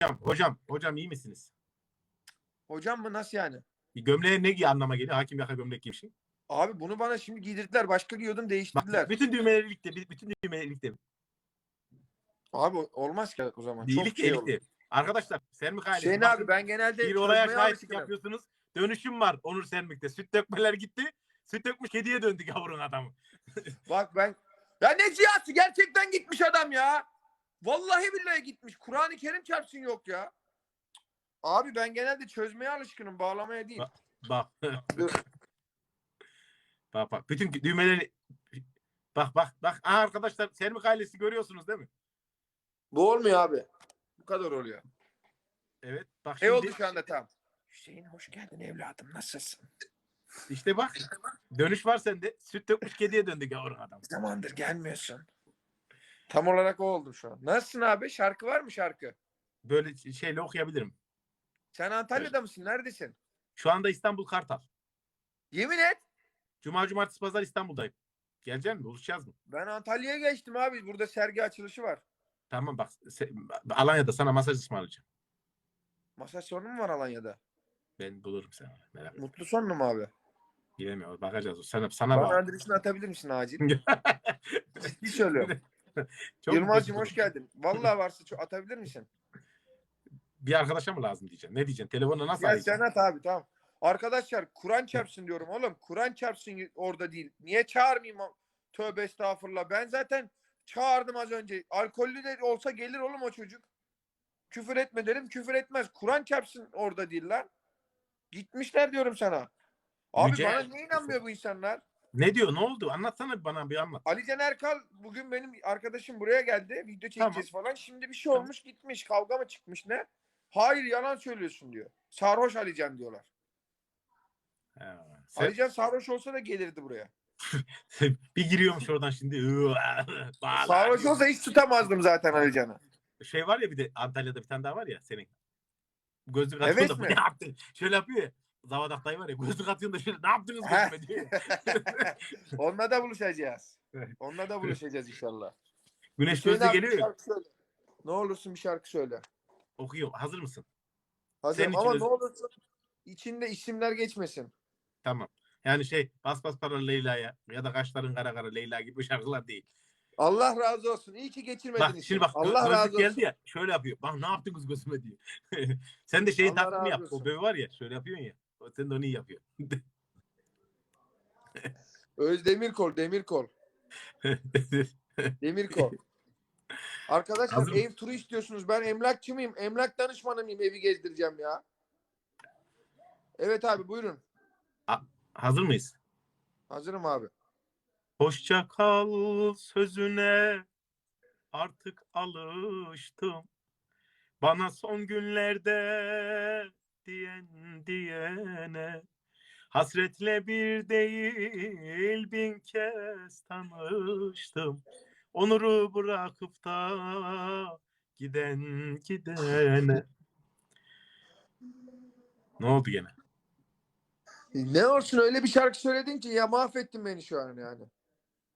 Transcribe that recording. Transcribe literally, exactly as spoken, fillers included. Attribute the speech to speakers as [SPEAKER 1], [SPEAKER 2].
[SPEAKER 1] hocam, hocam iyi misiniz?
[SPEAKER 2] Hocam mı, nasıl yani?
[SPEAKER 1] Gömleğe ne giy anlama geliyor? Hakim yaka gömlek giymişsin.
[SPEAKER 2] Abi bunu bana şimdi giydirdiler. Başka giyiyordum, değiştirdiler.
[SPEAKER 1] Bak, bütün düğmeleri ilikte, bütün düğmeleri ilikte.
[SPEAKER 2] Abi olmaz ki o zaman. Çok
[SPEAKER 1] İyilik
[SPEAKER 2] şey olur.
[SPEAKER 1] ilikte. Arkadaşlar, Sermik ailesi.
[SPEAKER 2] Hüseyin
[SPEAKER 1] Bakın,
[SPEAKER 2] abi, ben genelde
[SPEAKER 1] bir olaya
[SPEAKER 2] çözmeye
[SPEAKER 1] şahitlik
[SPEAKER 2] alışkınım.
[SPEAKER 1] yapıyorsunuz. Dönüşüm var Onur Sermik'te. Süt dökmeler gitti. Süt dökmüş kediye döndük yavrun adamı.
[SPEAKER 2] Bak ben... Ya ne ziyası? Gerçekten gitmiş adam ya. Vallahi billahi gitmiş. Kur'an-ı Kerim çarpsın yok ya. Abi ben genelde çözmeye alışkınım. Bağlamaya değil.
[SPEAKER 1] Bak. Bak. Bak bak. Bütün düğmeleri bak bak bak. Aha, arkadaşlar Sermik ailesi görüyorsunuz değil mi?
[SPEAKER 2] Bu olmuyor abi. Bu kadar oluyor.
[SPEAKER 1] Evet. Bak
[SPEAKER 2] Ne
[SPEAKER 1] şimdi.
[SPEAKER 2] oldu şu anda tam? Hüseyin hoş geldin evladım. Nasılsın?
[SPEAKER 1] İşte bak. Dönüş var sende. Süt dökmüş kediye döndük yavrun adam.
[SPEAKER 2] Zamandır gelmiyorsun. Tam olarak o oldu şu an. Nasılsın abi? Şarkı var mı şarkı?
[SPEAKER 1] Böyle şeyle okuyabilirim.
[SPEAKER 2] Sen Antalya'da evet. mısın? Neredesin?
[SPEAKER 1] Şu anda İstanbul Kartal.
[SPEAKER 2] Yemin et.
[SPEAKER 1] Cuma, cumartesi, pazar İstanbul'dayım. Gelecek mi? Buluşacağız mı?
[SPEAKER 2] Ben Antalya'ya geçtim abi. Burada sergi açılışı var.
[SPEAKER 1] Tamam bak. Alanya'da sana masaj ısmarlayacağım.
[SPEAKER 2] Masaj sorunu mu var Alanya'da?
[SPEAKER 1] Ben bulurum sana. Merak etme.
[SPEAKER 2] Mutlu son mu abi?
[SPEAKER 1] Bilemiyorum. Bakacağız. Sana, sana
[SPEAKER 2] Bana
[SPEAKER 1] bak.
[SPEAKER 2] adresini atabilir misin acil? Ciddi söylüyorum.
[SPEAKER 1] Çok
[SPEAKER 2] Yılmaz'cığım hoş geldin. Vallahi varsa çok atabilir misin?
[SPEAKER 1] Bir arkadaşa mı lazım diyeceksin? Ne diyeceksin? Telefonla nasıl
[SPEAKER 2] Ya
[SPEAKER 1] arayacaksın?
[SPEAKER 2] sen at abi, tamam. Arkadaşlar Kur'an çarpsın diyorum oğlum. Kur'an çarpsın orada değil. Niye çağırmayayım? Tövbe estağfurullah. Ben zaten çağırdım az önce. Alkollü de olsa gelir oğlum o çocuk. Küfür etme derim, küfür etmez. Kur'an çarpsın orada değil lan. Gitmişler diyorum sana. Abi
[SPEAKER 1] Yüce...
[SPEAKER 2] bana niye inanmıyor bu insanlar?
[SPEAKER 1] Ne diyor? Ne oldu? Anlatsana bana, bir anlat.
[SPEAKER 2] Ali Can Erkal bugün benim arkadaşım buraya geldi. Video çekeceğiz tamam. falan. Şimdi bir şey olmuş, tamam. Gitmiş. Kavga mı çıkmış ne? Hayır, yalan söylüyorsun diyor. Sarhoş Ali Can diyorlar. Ha, sen... Ali Can sarhoş olsa da gelirdi buraya.
[SPEAKER 1] Bir giriyormuş oradan şimdi.
[SPEAKER 2] Sarhoş olsa hiç tutamazdım zaten Ali Can'ı.
[SPEAKER 1] Şey var ya, bir de Antalya'da bir tane daha var ya senin. Gözlük atıyorsun evet da bu ne yaptın? Şöyle yapıyor ya. Zavadak dayı var ya, gözlük atıyorsun da şöyle ne yaptınız gözüme diyor.
[SPEAKER 2] Onunla da buluşacağız. Onunla da buluşacağız inşallah.
[SPEAKER 1] Güneş gözlüğü geliyor ya.
[SPEAKER 2] Ne olursun bir şarkı söyle.
[SPEAKER 1] Okuyor. Hazır mısın?
[SPEAKER 2] Hazırım ama öz... ne olursun içinde isimler geçmesin.
[SPEAKER 1] Tamam. Yani şey bas bas para Leyla'ya ya da kaşların kara kara Leyla gibi şarkılar değil.
[SPEAKER 2] Allah razı olsun. İyi ki geçirmedin
[SPEAKER 1] bak,
[SPEAKER 2] işi.
[SPEAKER 1] Şimdi bak
[SPEAKER 2] Allah
[SPEAKER 1] gö-
[SPEAKER 2] razı
[SPEAKER 1] gözlük geldi
[SPEAKER 2] olsun.
[SPEAKER 1] ya, şöyle yapıyor. Bak ne yaptınız gözüme diyor. Sen de şeyin taklidini yap.
[SPEAKER 2] Olsun.
[SPEAKER 1] O bebe var ya, şöyle yapıyorsun ya. Sen de onu iyi yapıyorsun.
[SPEAKER 2] Özdemirkol, Demirkol. Demirkol. Arkadaşlar hazır ev mı? Turu istiyorsunuz. Ben emlakçı mıyım? Emlak danışmanı mıyım? Evi gezdireceğim ya. Evet abi buyurun.
[SPEAKER 1] A- hazır mıyız?
[SPEAKER 2] Hazırım abi.
[SPEAKER 1] Hoşça kal sözüne artık alıştım. Bana son günlerde diyen diyene hasretle bir değil bin kez tanıştım. Onuru bırakıp da giden gidene. Ne oldu gene?
[SPEAKER 2] Ne olsun, öyle bir şarkı söyledin ki ya mahvettin beni şu an yani.